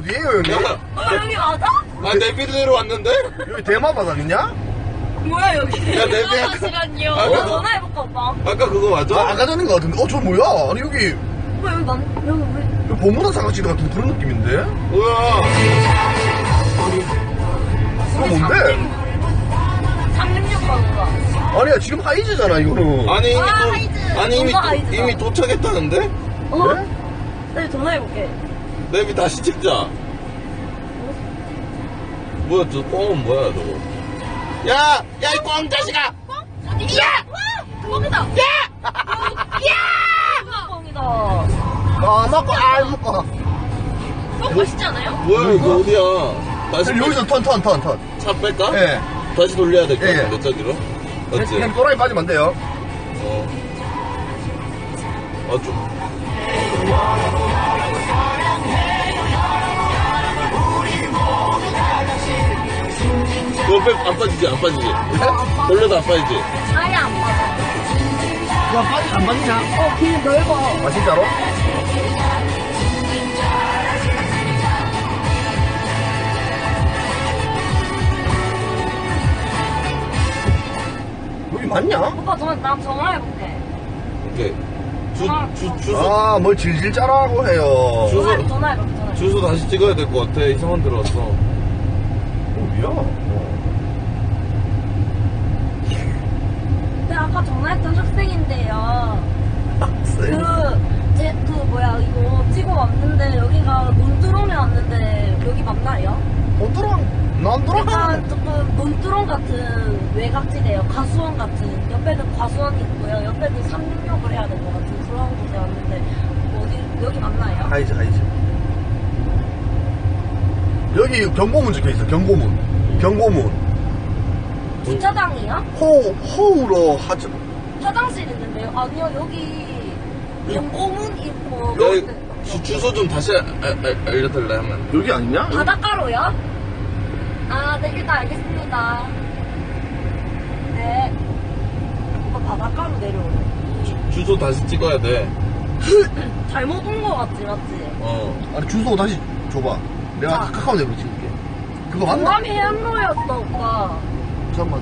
어디에요 여기? 여기 맞아? 아 내비대로 왔는데? 여기 대마바다 아니냐? 뭐야 여기? 야 내비 아까 시간이요. 아까 전화해볼까 오빠? 아까 그거 맞아? 아, 아까 전인 것 같은데 저 뭐야? 아니 여기 오빠 여기 왜? 여기 보문화 사각지 같은 그런 느낌인데? 뭐야? 그거 뭔데? 366번가. 아니야 지금 하이즈잖아 이거는. 아니 이미 하이즈. 아니 뭔가 하이즈다. 이미 도착했다는데? 어? 네? 나 전화해볼게. 내비 다시 찍자. 뭐야 저 뻥은 뭐야 저거? 야 이 뻥 자식아! 어디? 야! 뻥이다. 야! 야! 뻥이다. 아 먹고 아 먹고. 뻥 맛있지 않아요? 뭐야 이거 어디야? 다시 여기서 턴. 차 뺄까? 예. 다시 돌려야 될 것 예. 같은데 저기로? 맞지? 그냥 또라이 빠지면 안 돼요. 좀. 이거 안 빠지지? 돌려도 안 빠지지? 아예 안 맞아. 야 빠지 안 빠지냐? 길 넓어. 아 진짜로? 여기 맞냐? 오빠 나 전화해볼게. 오케이. 주소. 아 뭘 질질 짜라고 해요. 전화해볼게. 주소 다시 찍어야 될 것 같아. 이상한 데 들어왔어. 어디야? 근데 아까 전화했던 학생인데요. 학생? 이거 찍어 왔는데 여기가 논두렁에 왔는데 여기 맞나요? 난 들어가. 약간 조금 논두렁 같은 외곽지대요. 가수원 같은. 옆에는 과수원이 있고요. 옆에는 366을 해야 될 것 같은 그런 곳에 왔는데 여기 맞나요? 하이즈. 여기 경고문 적혀있어. 경고문. 주차장이요? 호우로 하죠. 화장실 있는데요? 아니요 여기 경고문 있고 여기 주소 좀 다시 알려달래 하면. 여기 아니냐? 바닷가로요? 아, 네, 일단 알겠습니다. 네. 오빠 바닷가로 내려오래. 주소 다시 찍어야 돼. 잘못 온 거 같지, 맞지? 아니 주소 다시 줘봐. 내가 자. 카카오 내로 찍을게. 그거 맞나? 공감이 해안로였다, 오빠. 잠깐만.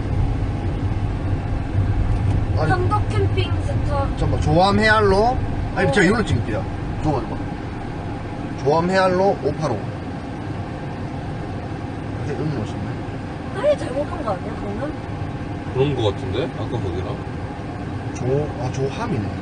아니 현덕 캠핑 센터. 잠깐만. 조암 해안로. 아니 제가 이걸로 찍을게요. 줘봐. 조암 해안로 585. 음료수네. 아예 잘못한 거 아니야, 그러면? 그런 거 같은데? 아까 거기랑. 조함이네.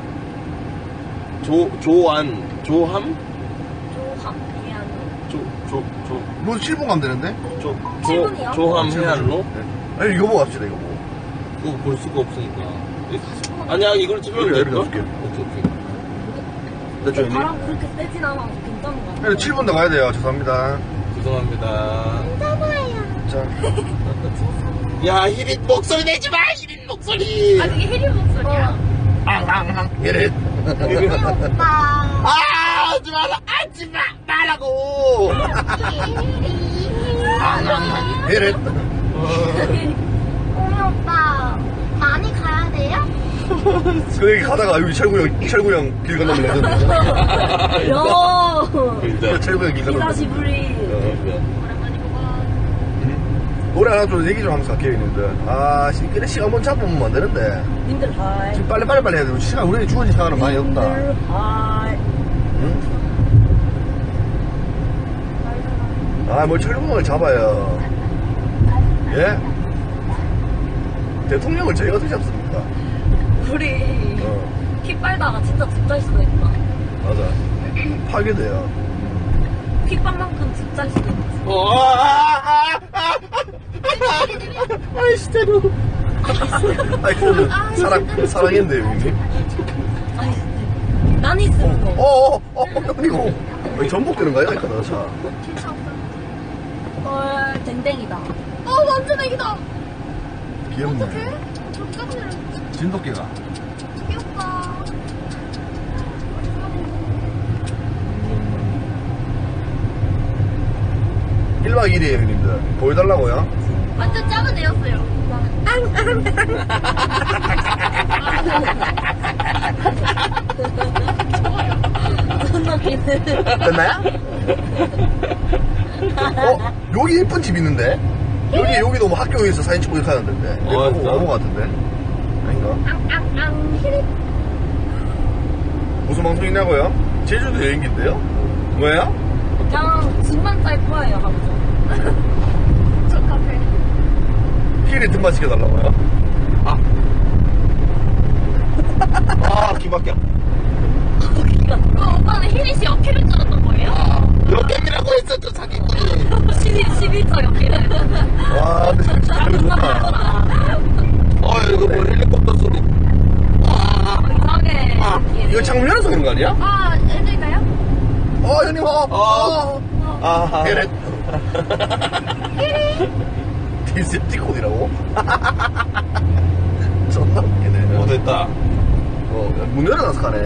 조함? 조함, 해안로. 이거 7분 가면 되는데? 7분이요? 조함 해안로? 네. 아니 이거 보고 갑시다 이거 보고. 그거 볼 수가 없으니까. 아니야, 이걸 찍으면 여기다, 될까? 여기다 줄게. 오케이. 됐죠 형님? 바람 그렇게 세진 않아서 괜찮은 거 같아. 7분 더 가야 돼요. 죄송합니다. 죄송합니다. 자. 야, 희린 목소리 내지 마! 희린 목소리! 아, 그게 혜리 목소리야? 앙앙앙. 이래. 오빠. 하지 말라고! 앙앙앙. 이래. 오미 오빠, 많이 가야 돼요? 그 얘기 가다가 여기 철구형 길 건너면 레전드. 요! 진짜. 철구형 길 건너면. 기사시부리. 오랜만이구만. 노래 하나 좀 얘기 좀 하면서 갈게요 형님들. 아 그래 시간 한번 잡으면 안 되는데. 님들 하이. 지금 빨리 해야 돼. 시간 우리 주어진 시간은 많이 없다. 님들 하이. 응? 뭘 철구형을 잡아요. 예? 대통령을 저희가 어떻게 잡습니까? 우리 피 빨다가 진짜 집잘 수도 있다. 맞아. 파괴돼요. 핏방만큼 집잘 수도 있다. 아이스테루. 아니 그거는 사랑했는데 형님. 아니, 난 있으면 이거 전복되는 거야? 이거 자. 댕댕이다. 완전 애기다. 귀엽네. 어떡해? 진돗개가. 귀엽다. 1박 2일이에요 형님들. 보여달라고요? 완전 작은 애였어요. 존나 기네. 됐나요? 여기 예쁜 집 있는데? 여기도 뭐 학교에서 사진 찍고 이렇게 하는데. 진짜? 어머 같은데? 아닌가? 무슨 방송이냐고요? 제주도 여행기인데요? 뭐야? 그냥 집만 짤 거예요, 방송. 저 카페. 힐이 등만 시켜달라고요? 기밖에. 오빠는 히릿이 역회를 찍었던 거예요? 역겜이라고 했었죠, 사기꾼이. 11초 역회를. 와, 근데 진짜 잘 좋다. 이거 뭐 헬리콥터 소리. 이상하게. 이거 창문열어서 그런 거 아니야? 해드릴까요? 형님, 헤렛. 디스 티콘이라고? 존나 웃기네. 됐다. 문 열어놔서 가네.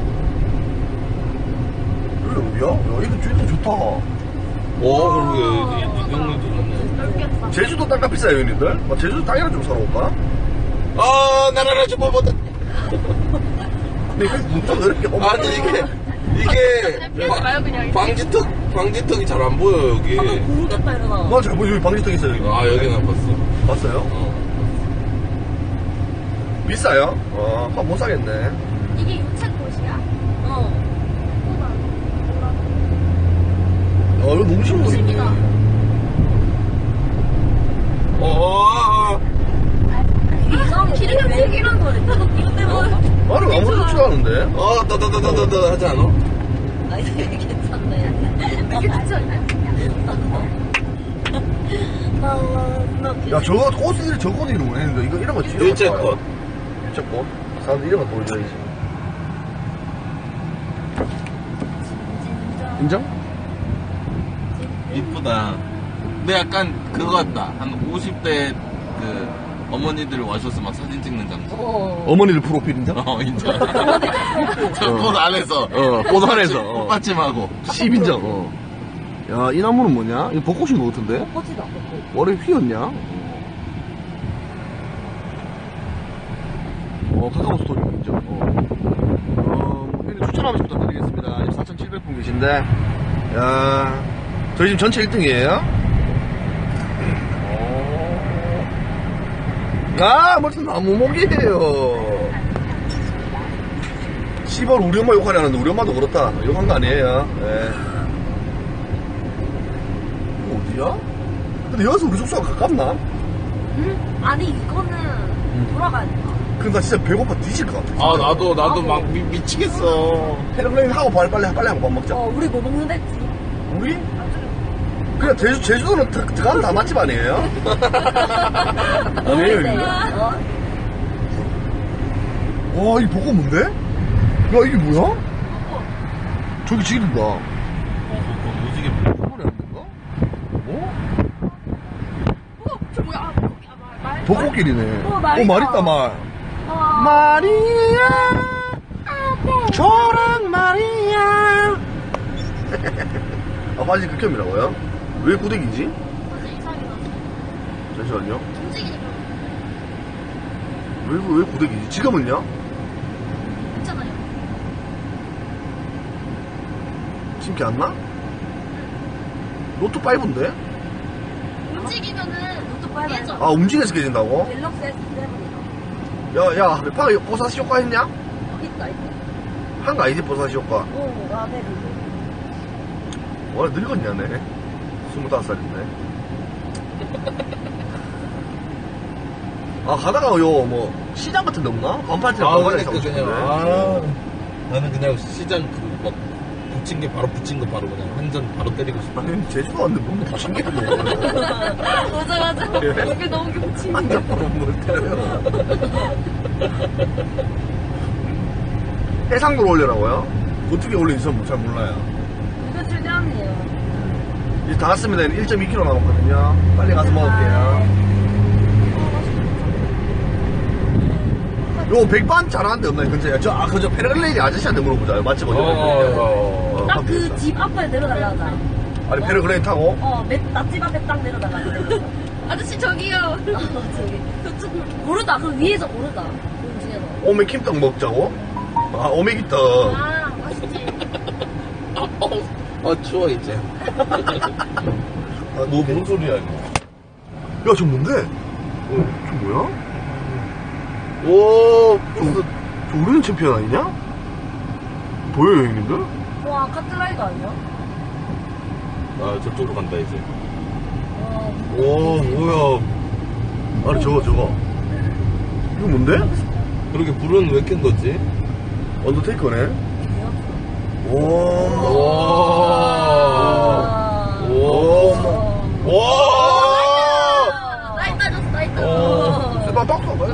여기 어디야? 야, 이거 주인도 좋다. 그러게. 이경리도 좋네. 넓겠다. 제주도 땅값 비싸요, 형님들? 제주도 땅이나 좀 사러 올까? 나라라 좀 보다. 근데 이거 문좀 이렇게 아니, 이게 피하지 마요, 그냥. 방지턱이 잘 안 보여, 여기. 모르겠다, 이러나. 잘 보여. 여기 방지턱 있어요, 여기. 여기는 안 봤어. 봤어요? 비싸요? 못 사겠네. 이게 유채꽃이야? 이거 너무 쉬운 거있네. 이상하게 기름 튀기는 거네. 이거 때문에. 나는 아무래도 좋아하는데. 따다다다다다 하지 않아? 이게 괜찮네. 이게 괜찮네. 야, 저거 꽃을 저거 이런 거 했는데 이거 이런 거 진짜 일제꽃. 일제꽃. 사람들 이런 거 보여줘야지. 인정? 이쁘다. 근데 약간 그거 같다. 한 50대 그 어머니들 와셔서 막 사진 찍는 장소. 어머니들 프로필 인정? 인정. 꽃 안에서. 꽃 안에서. 꽃받침하고. 10인정. 야, 이 나무는 뭐냐? 이거 벚꽃인 것 같은데? 벚꽃이다. 원래 휘었냐? 카카오 스토리 인정. 추천하고 싶다 드리겠습니다. 4,700분 계신데, 야, 저희 지금 전체 1등이에요. 무슨 나무목이에요. 씨발, 우리 엄마 욕하려는데, 우리 엄마도 그렇다. 욕한 거 아니에요. 네. 이거 어디야? 근데 여기서 우리 숙소가 가깝나? 응? 아니, 이거는 돌아가야 돼. 근데 나 진짜 배고파 뒤질 것 같아. 나도 막 미치겠어. 패러글라이딩 하고 빨리 하고 밥 먹자. 우리 뭐 먹는데? 우리? 그냥 제주도는 들어가면 다 맛집 아니에요? 아니에요, 이거. 와, 이 벚꽃 뭔데? 야, 이게 뭐야? 저기 지린다. 무지개 소리 안 된가? 저 뭐야? 말. 벚꽃길이네. 말 말 있다, 말. 마리아, 저랑 마리아. 빨리 극혐이라고요? 왜 고데기지? 잠시만요. 왜 고데기지? 지금은요? 있잖아요. 지금 개 안 나? 노트5인데? 움직이면은 노트 깨져. 움직여서 깨진다고? 갤럭시 S7이다. 야, 파 보사시 효과 했냐? 있다. 한 거 아니지, 보사시 효과. 라벨이. 와, 늙었냐네. 25살인데. 가다가 시장 같은 데 없나? 반팔티랑 반바지 사고 싶은데. 나는 그냥 시장 막 붙인 게 바로 붙인 거 바로 그냥 한 잔 바로 때리고 싶어. 아니, 제주도 왔는데 뭔 붙인 게 있네. 맞아. 이게 너무 김치. 한잔 바로 뭘 때려요. 해상도로 올려라고요? 어떻게 올리는지 전 잘 몰라요. 이거 최대한이에요. 이제 다 왔습니다. 1.2km 남았거든요. 빨리 가서 먹을게요. 요 백반 잘하는 데 없나요? 근처에. 그저 패러글라이딩 아저씨한테 물어보자. 맛집 어디? 딱 그 집 앞에 내려달라 하자. 아니, 패러글라이딩 타고? 맛집 앞에 딱 내려달라. 아저씨 저기요. 저기. 모르다. 그 위에서 모르다. 그 중에서. 오메킴떡 먹자고? 오메기떡. 맛있지. 추워 이제. 너 뭔 소리야 이거? 야, 저 뭔데? 저 뭐야? 오, 저 오래된 챔피언 아니냐? 보여요, 형님들? 와, 카트라이더 아니야? 아 저쪽으로 간다 이제. 와, 오, 뭐야. 아니, 저거. 이거 뭔데? 그렇게 불은 왜 켠 거지? 언더테이커네? 개였어. 오. 오. 와! 나이 따졌어, 나이 따졌어. 세방 박수 한번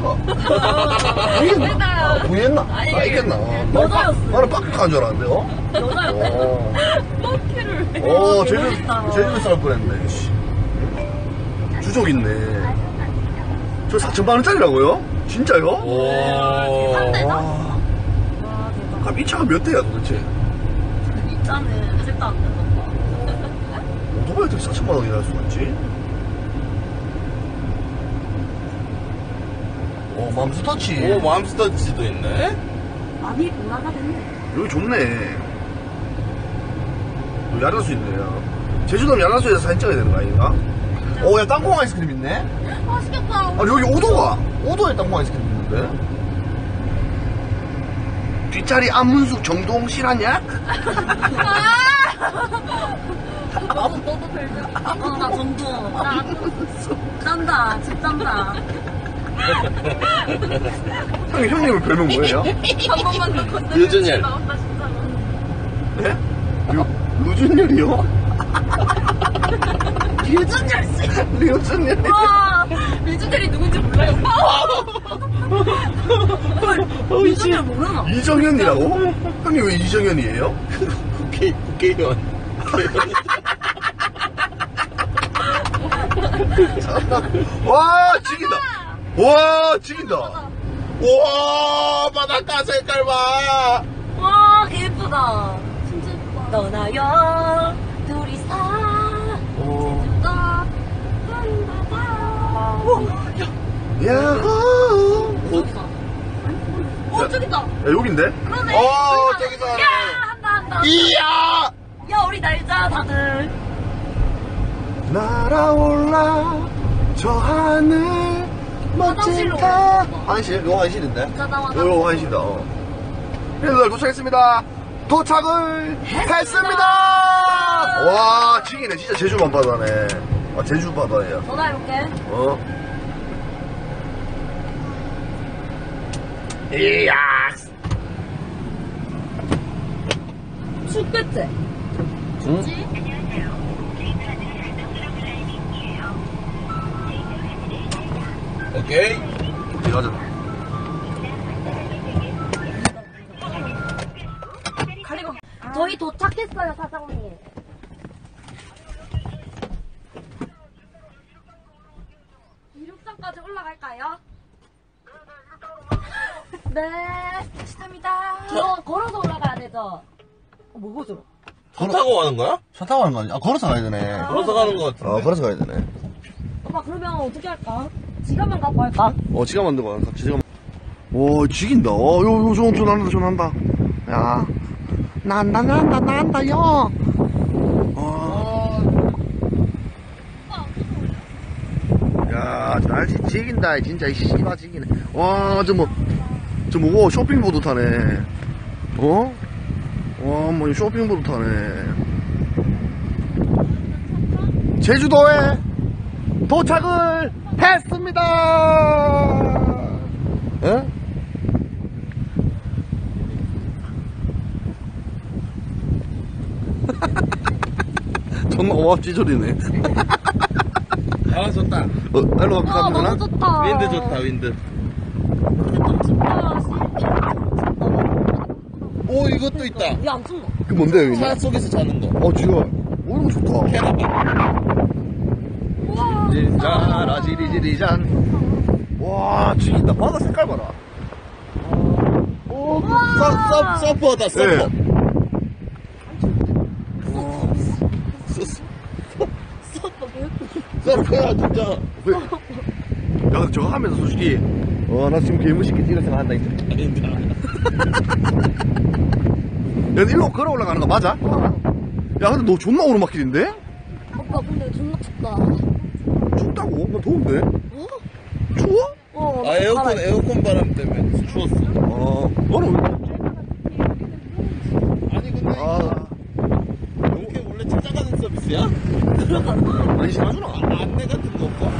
해봐. 부했나? 아니, 알겠나? 여자였어. 나는 박스 간줄 알았는데, 여자였어. 럭키를 왜? 제주도 쌀 뻔했네, 씨. 주족 있네. 저 4,000만원짜리라고요? 진짜요? 오. 대박. 와. 와, 대박. 그럼 이 차가 몇 대야 도대체? 이 차는 절대 안 된다. 오토바이 어떻게 4,000만원이나 할 수가 있지? 맘스터치. 오, 맘스터치도 있네. 많이 올라가 됐네. 여기 좋네. 여기 야라수 있네요. 제주도면 야라수에서 사진 찍어야 되는 거 아닌가? 야, 땅콩 아이스크림 있네? 맛있겠다. 아니, 여기 오도에 땅콩 아이스크림 있는데? 뒷자리 안문숙 정동 실하냐? 너도 별들. 나 정동. 나 짠다. 집 짠다. 형님은 별명 뭐예요? 한 번만 더 건드리면 류준열. 나온다, 진짜로. 네? 루준열이요? 류준열 씨. 류준열이. 와, 류준열이 누군지 몰라요. 류준열 모르나? 이정현이라고? 형님 왜 이정현이에요? 국회의원. 와, 죽인다. 와, 죽인다. 우와, 바닷가 색깔 봐. 와, 개 예쁘다. 진짜 예쁘다. 너나요, 둘이서, 제주도, 푸른 바다. 야호. 저기다. 야, 여긴데? 그러네. 저기서 하네. 야, 한다. 이야. 야, 우리 날자, 다들. 날아올라 저 하늘 멋진 화장실로 달. 오셨어. 화장실? 이거 화장실인데? 가다 와다. 이거 화장실이다. 형님들 도착했습니다. 도착을 했습니다. 와, 지기네. 진짜 제주 밤바다네. 아, 제주 바다야. 전화해볼게. 이야. 춥겠지? 응? 오케이. 가자. 가리고. 저희 도착했어요, 사장님. 이륙장까지 올라갈까요? 네, 시답니다. 걸어서 올라가야 되죠? 뭐죠? 차 타고 가는 거야? 차 타고 가는 거 아니야? 걸어서 가야 되네. 걸어서 가는 거 같은데. 걸어서 가야 되네. 오빠, 그러면 어떻게 할까? 지갑만 갖고 할까? 지갑 만들고 가는 지갑. 오, 죽인다. 요, 전한다. 야. 난다, 야. 야, 저 날씨 지긴다, 진짜, 이 씨바 지기네. 와, 저 뭐고, 쇼핑보드 타네. 와, 뭐, 쇼핑보드 타네. 제주도에 도착을 했습니다! 예? 존나 오합지졸이네. 아, 좋다. 일로 와, 가면 되나? 너무 좋다. 윈드 좋다, 윈드. 근데 좀 춥다. 오, 이것도 있다. 왜안 춥노? 그 뭔데, 여기? 차 속에서 자는 거. 지효. 이런 거 좋다. 우와. 진짜라, 지리지리잔. 와, 죽인다. 바다 색깔 봐라. 오, 서퍼다, 서퍼. 예. 서퍼야, 진짜. 야, 저거 하면서 솔직히, 나 지금 개무식게 뛰는 생각 한다, 이제. 아닌데. 야, 일로 걸어 올라가는 거 맞아? 야, 근데 너 존나 오르막길인데? 오빠 근데 존나 춥다. 춥다고? 나 더운데? 어? 추워? 어. 아, 에어컨 바람 때문에 추웠어. 너는 왜? 아니, 근데 아, 이렇게 원래 찾아가는 서비스야? 많이 심하구나. 안내 같은 거 없어?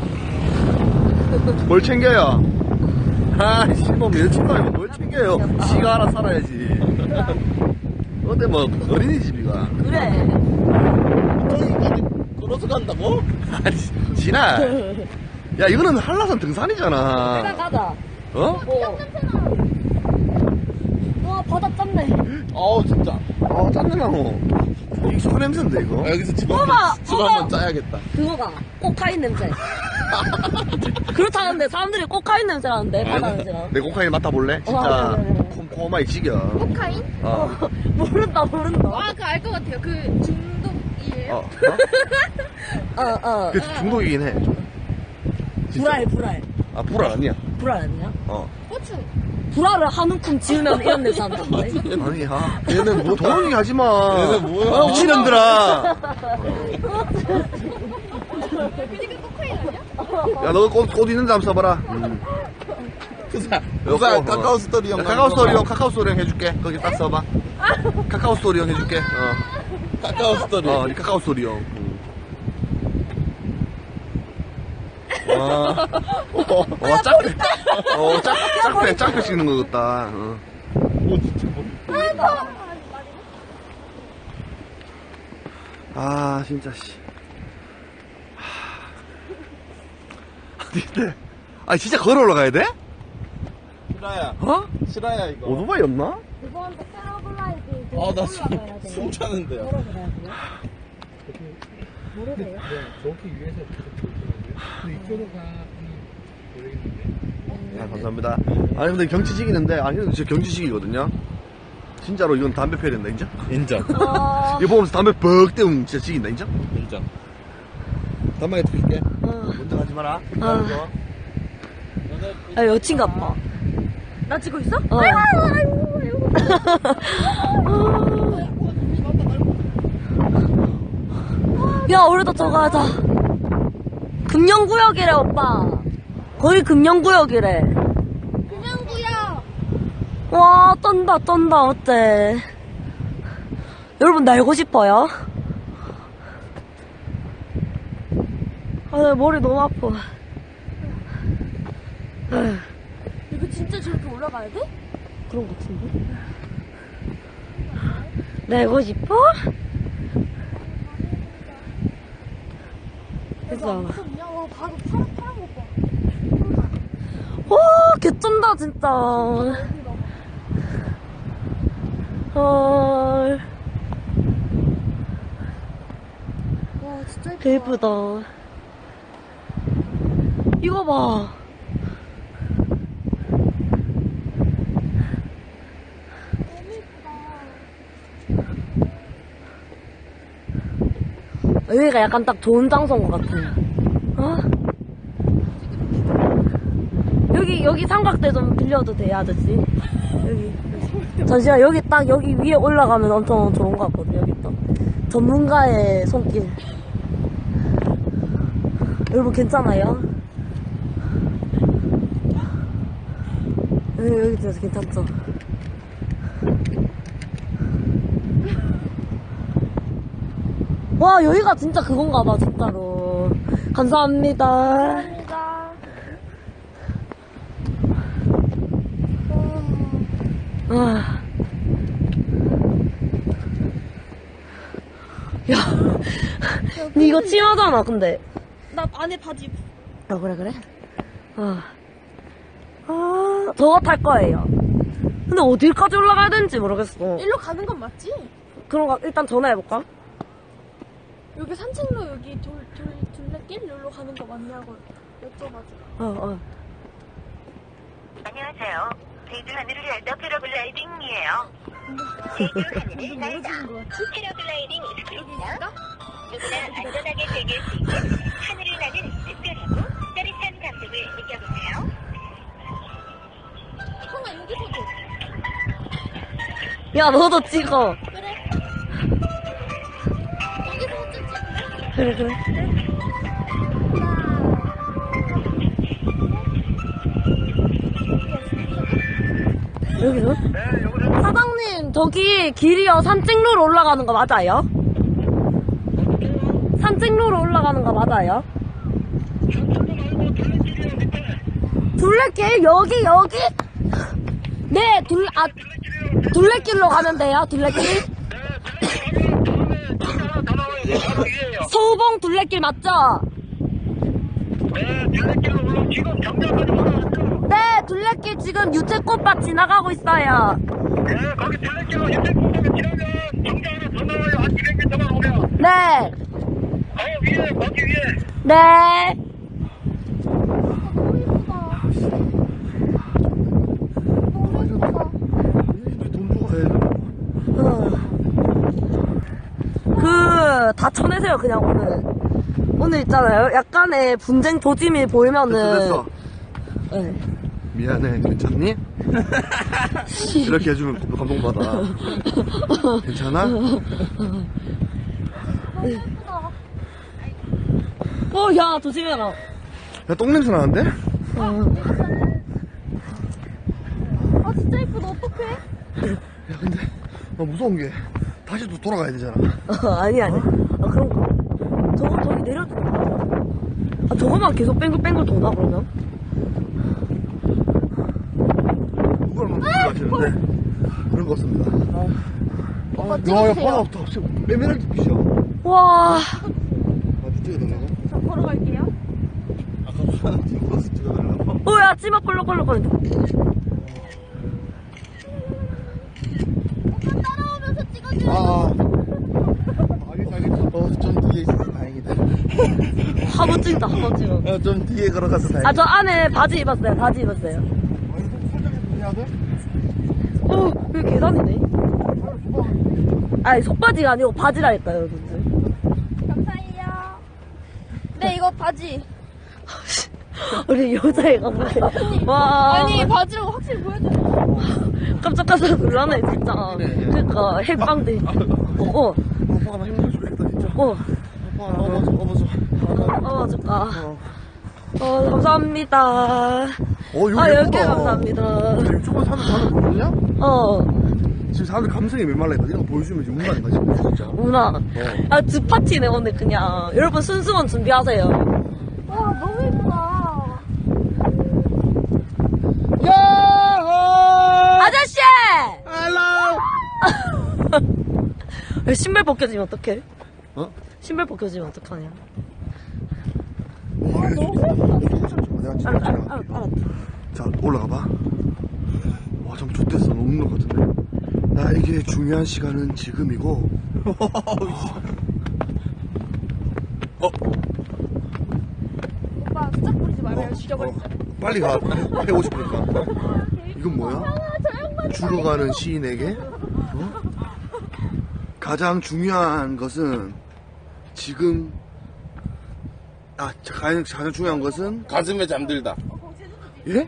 뭘 챙겨요? 아, 씨발, 여친놈이 뭘 챙겨요? 지가 알아 살아야지. 근데 뭐, 어린이집이가. 그래. 저기까지 걸어서 간다고? 아니, 진아. 야, 이거는 한라산 등산이잖아. 일단 가자. 어? 와 바다 짠네. 진짜. 아, 짠내나, 너. 이게 소 냄새인데, 이거? 아, 여기서 집 어머, 한번 어머. 짜야겠다. 그거가 코카인 냄새. 그렇다는데 사람들이 코카인 냄새라는데 바다 냄새가. 내 코카인 맡아볼래? 진짜, 네. 콤콤하게 지겨. 코카인? 어. 모른다. 아, 그 알 것 같아요. 그 중독이에요. 그 중독이긴 해. 진짜. 불알. 아, 불알 아니야. 불알 아니야? 고추. 불알을 한 움큼 지으면 이런 냄새 난다는데. 아니야. 얘는 뭐, 도망이 가지 마. 얘네 뭐야? 미친놈들아. 그니까 코카인 아니야? 야, 너 꽃 있는데 한번 써봐라. 그사 요거, 카카오 스토리 형. 카카오 스토리 형 해줄게. 거기 딱 써봐. 카카오 스토리 형 해줄게. 카카오 스토리. 네 카카오 스토리 형. 짝배 찍는 거 같다. 아, 진짜, 씨. 아니, 진짜 걸어 올라가야 돼? 실화야. 실화야, 이거. 오토바이 없나? 이번에 패러글라이딩 나 숨 차는데요. 모르세요? 정확히 위에서 근데 이쪽으로 가면 모르겠는데. 아, 감사합니다. 아니, 근데 경치 지기는데, 아니, 진짜 경치 지기거든요. 진짜로 이건 담배 펴야 된다, 인정? 인정. 이거 보면서 담배 벅 때우면 진짜 지긴다, 인정? 인정. 담배에 드릴게. 먼저 가지 마라. 아 여친 같다. 나 찍고 있어? 야 우리도 저거 하자. 금연구역이래 오빠. 거의 금연구역이래. 금연구야. 와 떤다 어때? 여러분 날고 싶어요? 아 나 머리 너무 아파. 이거 진짜 저렇게 올라가야 돼? 그런 것 같은데? 날고 싶어? 그래서 야, 와, 바로 파란 거 봐. 와 개쩐다 진짜. 헐 와, 진짜 개 예쁘다. 이거 봐. 여기가 약간 딱 좋은 장소인 것 같아. 어? 여기 삼각대 좀 빌려도 돼요, 아저씨? 여기. 잠시만, 여기 위에 올라가면 엄청 좋은 것 같거든, 여기 또. 전문가의 손길. 여러분, 괜찮아요? 여기 들어서 괜찮죠? 와 여기가 진짜 그건가 봐 진짜로. 감사합니다. 감사합니다. 아. 야, 니 이거 치마잖아 근데. 나 안에 바지 입고. 아 그래? 저거 탈 거예요. 근데 어디까지 올라가야 되는지 모르겠어. 일로 가는 건 맞지? 그런가 일단 전화해볼까? 여기 산책로 여기 둘레길 여기로 가는 거 맞냐고 여쭤가지고. 안녕하세요. 제주 하늘을 날다 패러글라이딩이에요. 제주 하늘을 날다 패러글라이딩 익스프레스입니다. 누구나 안전하게 즐길 수 있는 하늘을 나는 특별하고 짜릿한 감동을 느껴보세요. 형아 여기서도. 야 너도 찍어. 그래. 그래. 여기요? 사장님, 저기 길이요. 산책로로 올라가는 거 맞아요? 산책로로 올라가는 거 맞아요? 둘레길? 여기? 네, 둘레길로 가면 돼요, 둘레길? 서우봉 둘레길 맞죠? 네, 둘레길 지금 유채꽃밭 지나가고 있어요. 거기 둘레길로 유채꽃밭 지나면 정자 하나 더 나와요. 한 200m만 오면. 네. 위에, 거기 위에. 네. 돈 주고 가야 돼. 다 쳐내세요, 그냥 오늘 있잖아요. 약간의 분쟁 조짐이 보이면은. 됐어. 네. 미안해, 괜찮니? 이렇게 해주면 감동받아. 괜찮아? 야, 조심해라. 야, 똥냄새 나는데? 아 진짜 예쁘다. 어떡해? 야, 근데, 무서운 게, 다시 또 돌아가야 되잖아. 아니. 그런가? 저기 내려줘. 저거만 계속 뺑글뺑글 도나, 그러면? 누가 얼마나 하시는데 그런 거 없습니다. 오빠 야, 찍어주세요. 바다 없다. 빼면하기 빛이야. 와. 찍어야 되나? 저 걸어갈게요. 아까 사진 찍어서 찍어달라고. 야, 찌막 꼴럭꼴럭거린다. 오빠 따라오면서 찍어줘요. 알겠어. 좀 뒤에 있어서 다행이다. 한번 찍다, 한번 찍어. 좀 뒤에 걸어가서 다행이다. 저 안에 바지 입었어요. 해야 돼? 여기 계단이네. 아니, 속바지가 아니고 바지라니까요, 여러분들. 감사해요. 네 이거 바지. 우리 여자애가 보세 와. 아니 바지라고 확실히 보여줘요. 깜짝깜짝 놀라네, 진짜. 그니까, 핵방들. 오빠가 나 힘들어주겠다, 진짜. 업어줄까. 감사합니다. 이거 10개 감사합니다. 유튜브 사람들 보이냐? 지금 사람들 감성이 메말라 있다. 이런 거 보여주면 지금 운만 가지, 진짜. 문화. 주파티네, 오늘 그냥. 여러분, 순수원 준비하세요. 와 너무 예쁘다. 아저씨! 헬로! 신발 벗겨지면 어떡해? 어? 신발 벗겨지면 어떡하냐? 알았다. 자, 올라가봐. 와, 좀 좋댔어. 너무 웃는 것 같은데. 나에게 중요한 시간은 지금이고. 오빠 수작 부리지 말아요. 죽여버릴게요. 빨리 가. 해고 싶으니까. 이건 뭐야? 죽어가는 시인에게? 가장 중요한 것은 지금 가장 중요한 것은 가슴에 잠들다. 예?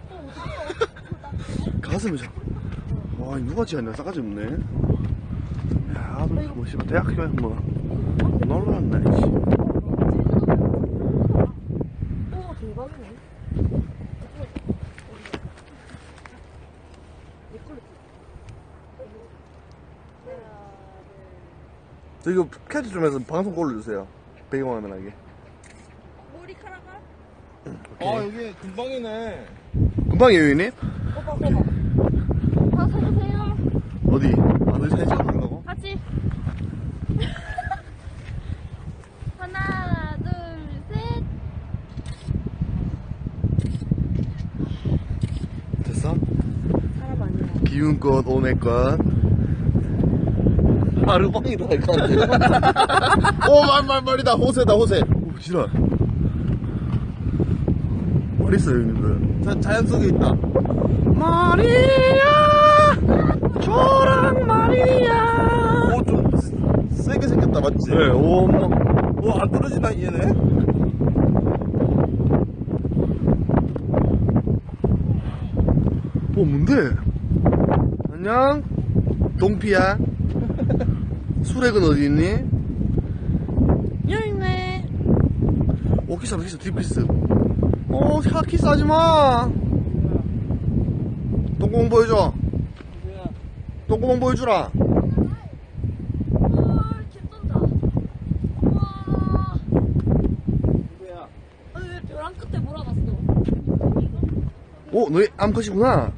가슴에 와, 누가 지었냐? 싸가지 없네. 야, 뭐 씨발 대학교에 뭐 놀러 왔나 씨. 대박이네. 저 이거 캐치 좀 해서 방송 골라주세요. 배경화면하게. 머리카락아? 여기 금방이네. 금방이에요, 형님? 다 서주세요. 어디? 어디 사진 찍어달라고? 같이. 하나, 둘, 셋. 됐어? 사람 아니야. 기운꽃, 오메꽃. 아르방이다, 이거. 말이다. 호세다, 호세. 오, 지랄. 뭘 있어요, 형님들? 자연 속에 있다. 마리아! 저랑 마리아! 좀 세게 생겼다, 맞지? 네, 안 떨어지나, 얘네? 뭔데? 안녕? 동피야? 수렉은 어디 있니? 여기 있네. 키스하다, 키스, 딥 키스. 키스하지 마. 똥구멍 보여줘. 똥구멍 보여주라. 개쩐다. 우와. 왜 벼랑 끝에 몰아갔어? 너희 암컷이구나.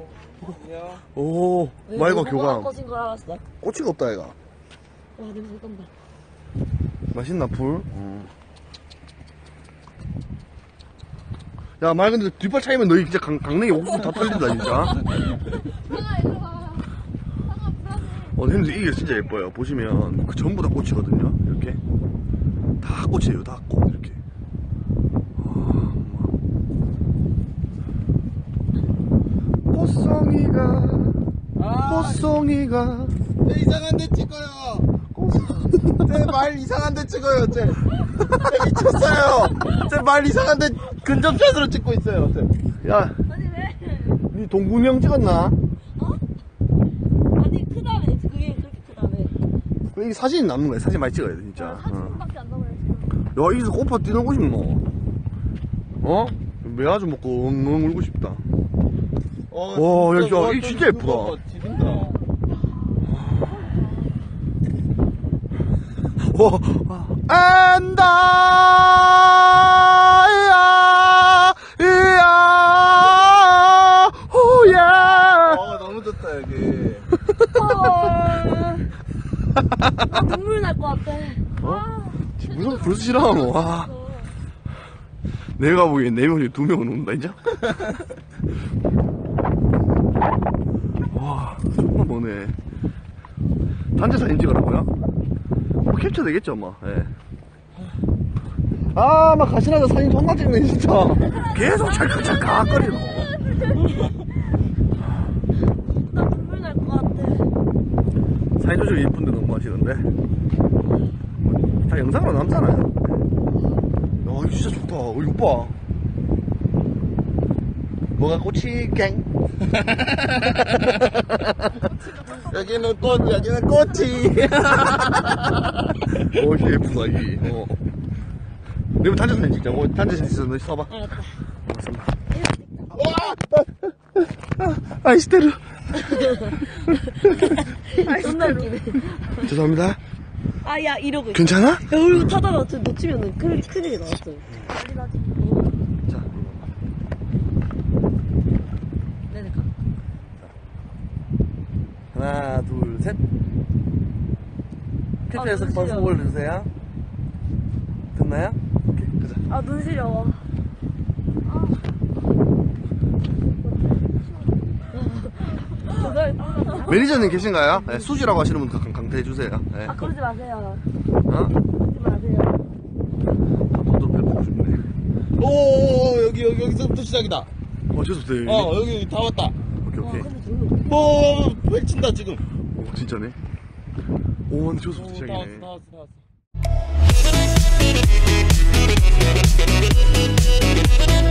오, 말과 교감. 꺼진 걸 알았어. 꼬치가 없다, 얘가. 와, 냄새 떤다. 맛있나, 불? 야, 말 근데 뒷발 차이면 너희 진짜 강냉이 옥수수 다 털린다, 진짜. 상아 일로 와. 상아 불안해. 근데 이게 진짜 예뻐요. 보시면, 전부 다 꽃이거든요. 이렇게. 다 꽃이에요, 다 꽃. 이렇게. 꽃송이가. 이상한 데 찍어요. 제 말 이상한 데 찍어요, 제 미쳤어요. 제 말 이상한 데 근접샷으로 찍고 있어요, 야, 아니, 왜? 니 동구명 찍었나? 아니, 크다며. 그게 그렇게 크다며. 이 사진이 남는 거야. 사진 많이 찍어야 돼, 진짜. 사진밖에 안 남아요, 지금. 야, 여기서 꽃파 뛰놀고 싶노? 매아주 먹고 엉엉 울고 싶다. 와, 야, 이거 진짜 예쁘다. 안다, 호야. 너무 좋다, 여기. 나 눈물 날 것 같아. 무슨 벌써 싫어하노? 와. 내가 보기엔 4명이 2명은 온다, 이제? 와, 정말 머네. 단체 사진 찍으라고요? 캡처 되겠죠, 뭐. 예. 막 가시나서 사진 존나 찍네, 진짜. 계속 찰칵찰칵거리노. 나 눈물 날 것 같아. 사진 조절이 이쁜데 너무 하시는데. 다 영상으로 남잖아요. 야, 이거 진짜 좋다. 이거 봐. 뭐가 꽃이 갱? 여기는 꽃, 여기는 꽃이. 진짜 예쁘다, 이. 내가 단체 사진 찍자. 단체 사진 있어. 너 써봐. 알았다. 아이스테르. 존나 웃기네. 죄송합니다. 야, 이러고 있어. 괜찮아? 야, 우리 타다가 놓치면 큰일이 나왔어. 자, 네네, 가. 하나, 둘, 셋. 캡처해서 눈 벌써 시려. 올려주세요. 됐나요? 오케이, 가자. 눈 시려워. 매니저님 계신가요? 네, 수지라고 하시는 분 강퇴해주세요. 네. 그러지 마세요. 그러지 마세요. 저도 뵙고 싶네. 여기서부터 시작이다. 죄송해요. 여기 다 왔다. 오케이. 펼친다, 지금. 진짜네. 근데 죄송해요. 시작이네. 다 왔어. Thank you.